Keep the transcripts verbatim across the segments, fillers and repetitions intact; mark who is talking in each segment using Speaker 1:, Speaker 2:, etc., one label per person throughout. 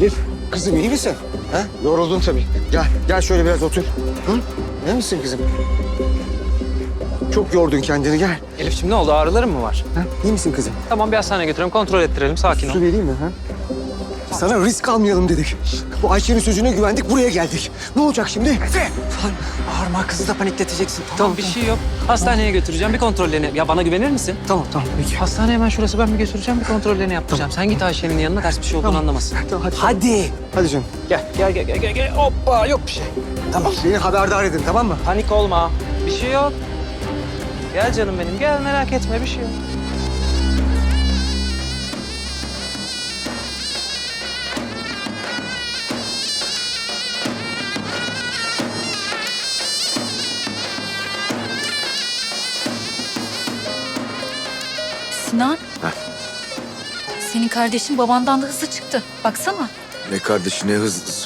Speaker 1: Elif, kızım iyi misin? Ha? Yoruldun tabii. Gel, gel şöyle biraz otur. Hı? İyi misin kızım? Çok yordun kendini, gel.
Speaker 2: Elif'ciğim ne oldu? Ağrıların mı var?
Speaker 1: Ha? İyi misin kızım?
Speaker 2: Tamam bir hastaneye götürelim, kontrol ettirelim. Sakin ol.
Speaker 1: Su vereyim mi? Ha? Sana risk almayalım dedik. Bu Ayşe'nin sözüne güvendik, buraya geldik. Ne olacak şimdi? Efe!
Speaker 2: Bağırma, kızı da panikleteceksin. Tamam, bir şey yok. Hastaneye götüreceğim, bir kontrollerini... Ya bana güvenir misin?
Speaker 1: Tamam, tamam, peki.
Speaker 2: Hastane hemen şurası, ben bir götüreceğim, bir kontrollerini yaptıracağım. Sen git Ayşe'nin yanına, ters bir şey olduğunu
Speaker 1: Tamam.
Speaker 2: anlamasın.
Speaker 1: Tamam, hadi.
Speaker 2: Hadi.
Speaker 1: Hadi canım.
Speaker 2: Gel, gel, gel, gel, gel, gel. Hoppa, yok bir şey. Tamam.
Speaker 1: Beni haberdar edin, tamam mı?
Speaker 2: Panik olma. Bir şey yok. Gel canım benim, gel merak etme, bir şey yok.
Speaker 3: Sinan. Senin kardeşin babandan da hızlı çıktı. Baksana.
Speaker 4: Ne kardeşi ne hızlısı.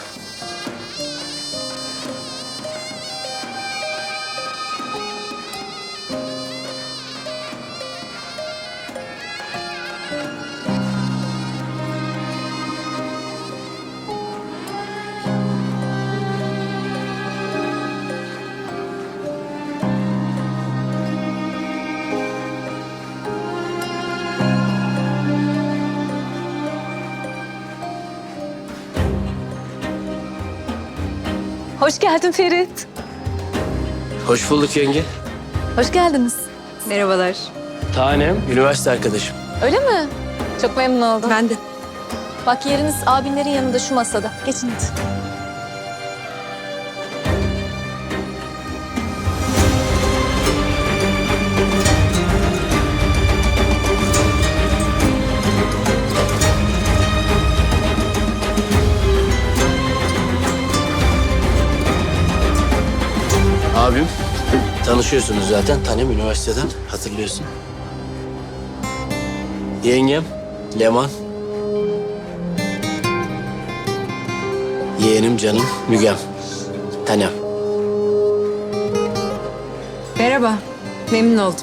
Speaker 3: Hoş geldin Ferit.
Speaker 5: Hoş bulduk yenge.
Speaker 3: Hoş geldiniz. Merhabalar.
Speaker 5: Tanem, üniversite arkadaşım.
Speaker 3: Öyle mi? Çok memnun oldum. Ben de. Bak yeriniz abinlerin yanında şu masada. Geçin hadi.
Speaker 5: Abim, tanışıyorsunuz zaten. Tanem üniversiteden, hatırlıyorsun. Yengem, Leman. Yeğenim canım, Mügem. Tanem.
Speaker 3: Merhaba. Memnun oldum.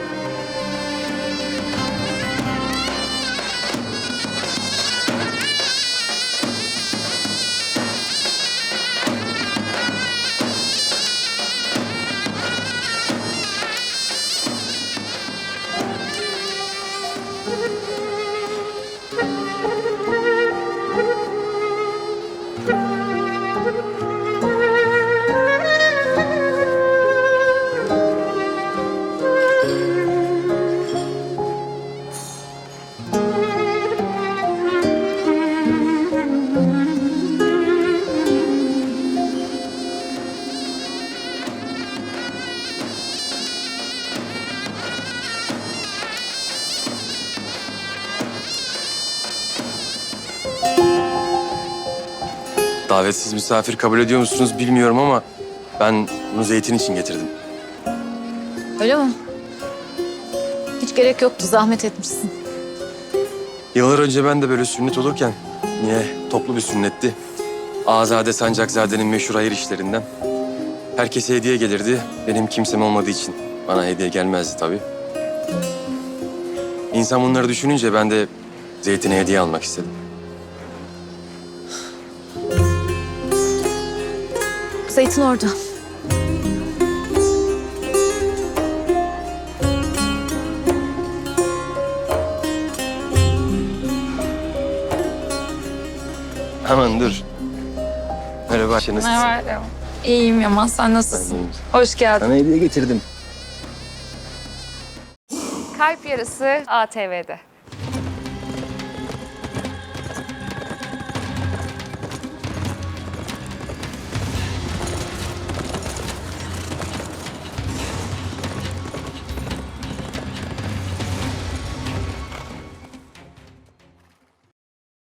Speaker 6: Davetsiz misafir kabul ediyor musunuz bilmiyorum ama ben bunu Zeytin için getirdim.
Speaker 3: Öyle mi? Hiç gerek yoktu. Zahmet etmişsin.
Speaker 6: Yıllar önce ben de böyle sünnet olurken yine toplu bir sünnetti. Azade Sancakzade'nin meşhur hayır işlerinden. Herkese hediye gelirdi. Benim kimsem olmadığı için bana hediye gelmezdi tabii. İnsan bunları düşününce ben de Zeytin'e hediye almak istedim.
Speaker 3: Zeytin orada.
Speaker 6: Aman dur. Merhaba Ayşe, nasılsın?
Speaker 7: Merhaba. İyiyim Yaman, sen nasılsın? Hoş geldin.
Speaker 6: Sana hediye getirdim.
Speaker 7: Kalp Yarısı A T V'de.